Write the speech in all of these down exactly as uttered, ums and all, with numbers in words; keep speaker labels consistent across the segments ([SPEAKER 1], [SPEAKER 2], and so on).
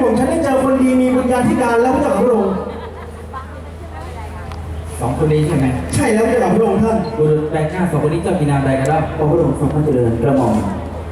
[SPEAKER 1] ผมฉันได้เจอคนดีมีบุญญาธิการแล้วพระเจ้าพระองค์
[SPEAKER 2] สองคนนี้ใช่ไหม
[SPEAKER 1] ใช่แล้วพระเจ้าพระองค์ท่าน
[SPEAKER 2] บุรุษแปลกหน้าสองคนนี้เจ้ามีนามใดกันล่ะ
[SPEAKER 3] พระองค์ทรงพระเจริญกระหม่อม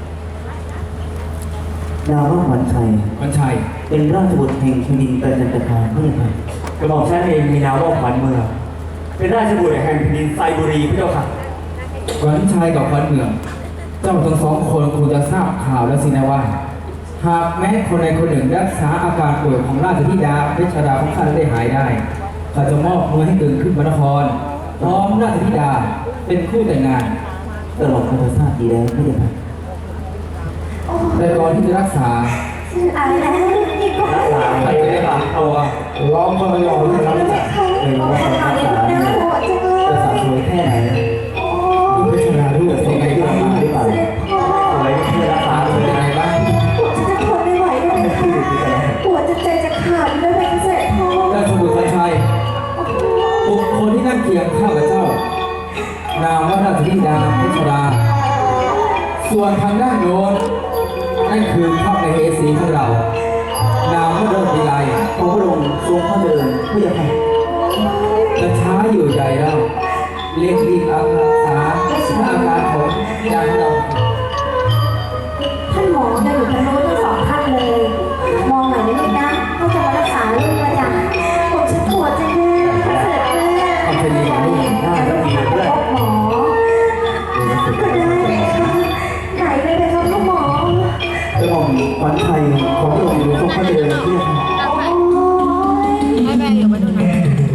[SPEAKER 3] นามว่าขวัญชัย
[SPEAKER 2] ขวัญชัย
[SPEAKER 3] เป็นราชบุตรแห่งแผ่นดินประจันตคามพระยาค่ะ
[SPEAKER 4] กระหม่อมฉันเองมีนามว่าขวัญเมืองเป็นราชบุตรแห่งแผ่นดินไซบุรีพระเจ้าค่ะ
[SPEAKER 2] ขวัญชัยกับขวัญเมืองเจ้าทั้งสองคนคงจะทราบข่าวแล้วสินะว่าหากแม้คนใดคนหนึ่งรักษาอาการป่วยของราชธิดาเพชรดาของข้าได้หายได้ข้าจะมอบเงินให้ตื่นขึ้นพระนครพร้อมราชธิดาเป็นคู่แต่งงาน
[SPEAKER 3] ตลอดข้าพเจ้าดีแล้วพระยาค่ะ
[SPEAKER 2] แต่ก่อนที่จะรักษา
[SPEAKER 5] อะไรนะนี่ก็
[SPEAKER 4] รักษาใครจะได้บางตัว
[SPEAKER 1] ร้องก็ไม่ยอมเลยนะ
[SPEAKER 3] ไม่รู้ว่าการรักษาจะสาสวยแค่ไหน
[SPEAKER 2] ดูเพชรดาดูเป็นไงบ้างหรือเปล่า
[SPEAKER 4] สวยเพื่อรักษาเป็นยังไงบ้าง
[SPEAKER 5] ปวดจะทนไม่ไหวเลยนะคะปวดจะใจจะขาดเลยเป็นเสร็จพ่อ
[SPEAKER 2] ราชบุตรขวัญชัยบุคคลที่นั่งเคียงข้ากับเจ้านามว่าราชธิดาเพชรดาส่วนทางด้านโน้นนั่นคือพระมเหสีของเรานามว่าเดินวิไล
[SPEAKER 3] พระองค์ทรงพระเจริญพระยาค่ะ
[SPEAKER 2] จะช้าอยู่ใจแล้วเรียกรีบอาสาถ้าอาการของยาเรา
[SPEAKER 5] ท่านหมอจะอยู่ทางโน้นทั้งสองท่านเลยมองหน่อยนิดนะเขาจะมารักษาลูกประจำผมฉันปวดจังเลยเสร็จแล้ว
[SPEAKER 2] เอาไปดีลูก
[SPEAKER 5] หน้าก็ดีด้วยหมอก็ได้ไหนไปไปครับลูกหมอก
[SPEAKER 3] ระหม่อมขวัญชัยของพระองค์ทรงพระเจริญพระยาค่ะ
[SPEAKER 6] ให้แม่อยู่มาดูหน่อย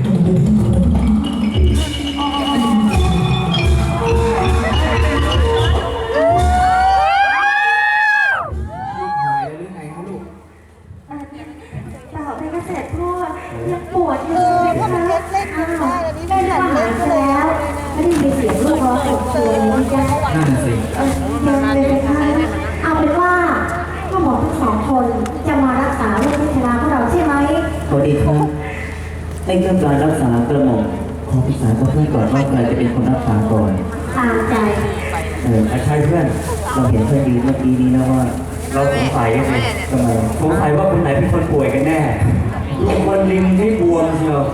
[SPEAKER 5] ปวดเลยนะคะอ้าวได้ทหารแล้วไม่ได้มีเสียงลูกร้องปวดเลยนะจ๊ะ
[SPEAKER 2] นั่นสิ
[SPEAKER 5] เออยังเลยนะคะเอาเป็นว่าก็หมอทั้งสองคนจะมารักษาลูกพิชราของเราใช่ไหม
[SPEAKER 3] พอดีครับในเรื่องการรักษากระหม่อมขอปรึกษากับเพื่อนก่อนว่าใครจะเป็นคนรักษาก่อน
[SPEAKER 5] ตามใจ
[SPEAKER 3] เออใช่เพื่อนเราเห็นเพื่อนยืนเมื่อกี้นี้นะว่า
[SPEAKER 4] เราสงสัยไง
[SPEAKER 3] ทำไม
[SPEAKER 4] สงสัยว่าคนไหนเป็นคนป่วยกันแน่คนริมที่บวมเชียว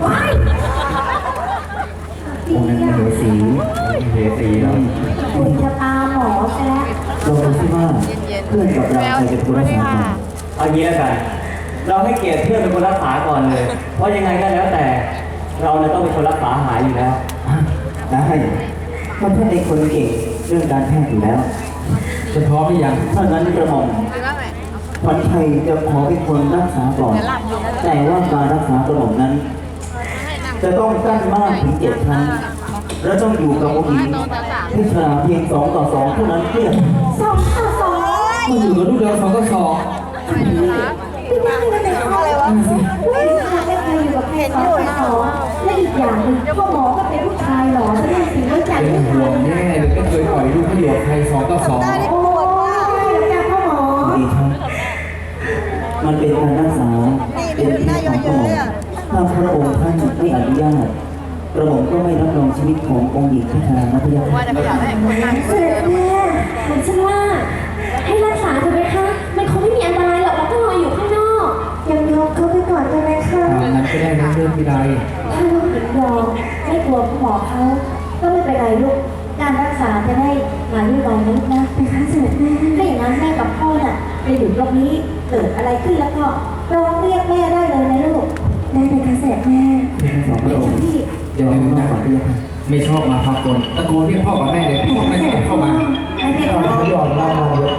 [SPEAKER 3] องค์นั้นเหสี
[SPEAKER 4] เหสีแล้ว
[SPEAKER 5] คุณจะตาหมอแซ่
[SPEAKER 3] เราดูซิว่าเพื่อนกับเราใครจะเป็นคนรักษาก่อน
[SPEAKER 4] เอางี้แล้วกันเราให้เกียรติเพื่อนเป็นคนรักษาก่อนเลยเพราะยังไงก็แล้วแต่เราเนี่ยต้องเป็นคนรักษาหายอยู่แล้ว
[SPEAKER 3] ได้เพราะเพื่อนเป็นคนเก่งเรื่องการแพทย์อยู่แล้ว
[SPEAKER 2] จะพร้อมหรือยัง
[SPEAKER 3] ถ้างั้นกระหม่อมขวัญชัยจะขอเป็นคนรักษาก่อนแต่ว่าการรักษากระหม่อมนั้นจะต้องกั้นมากถึงเจ็ดครั้งและต้องอยู่กับผู้หญิงที่ชราเพียงสองต่อสองเท่านั้นเพื่อน
[SPEAKER 5] สองต่อสอง
[SPEAKER 2] มันอยู่กับลูกเดียวสองต่อสอง
[SPEAKER 5] ไม่ได้ไม่ได้อะไรวะไม่ได้ไม่เคยอยู่กับใครสองต่อสองและอีกอย่างหนึ่งพ่อหมอก็เป็นผู้ชายหล่อไม่ได้สิว่าจัด
[SPEAKER 2] เป็นห่วงแน่เลยไม่เคยปล่อยลูกให้อยู่กับใครสองต่อสอง
[SPEAKER 5] โอ้ยแล้วพ่อหมอ
[SPEAKER 3] ดีครับมันเป็นการรักษาเป็นที่ของกระหม่อมถ้าพระองค์ท่านไม่อนุญาตกระหม่อมก็ไม่รับรองชีวิตขององค์หญิงที่ทางนัพยา
[SPEAKER 5] เสด็จแม่ผมเชื่อว่าให้รักษาเถอะไหมคะมันคงไม่มีอันตรายหรอกเราก็รออยู่ข้างนอกยังยอมเขาไปก่อนกันไหมคะ
[SPEAKER 2] งั้นก็ได้นะเรื่องที่ใด
[SPEAKER 5] ถ้าลูกหญิงยอมไม่กลัวหมอเขาก็ไม่เป็นไรลูกการรักษาจะได้มาด้วยกันนะลูกนะเป็นการเสด็จแม่ถ้าอย่างนั้นแม่กับพ่อน่ะไปอยู่ตรงนี้เกิดอะไรขึ้นแล้วก็ร้องเรียกแม่ได้เลยนะลูกได้เป็นการเสด็จแม่
[SPEAKER 3] สองพระองค์
[SPEAKER 2] อย่าลืมนะไม่ชอบมาพากลตะโกนเรียกพ่อกับแม่เลยพ่อไม่เข้ามา
[SPEAKER 3] เขายอมเล่ามาเลย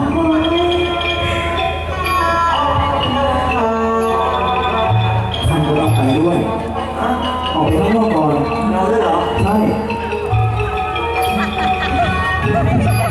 [SPEAKER 3] ท่านก็ต้องไปด้วยออกไปข้างนอกก่อน
[SPEAKER 4] เราด้วยเหรอ
[SPEAKER 3] ใช่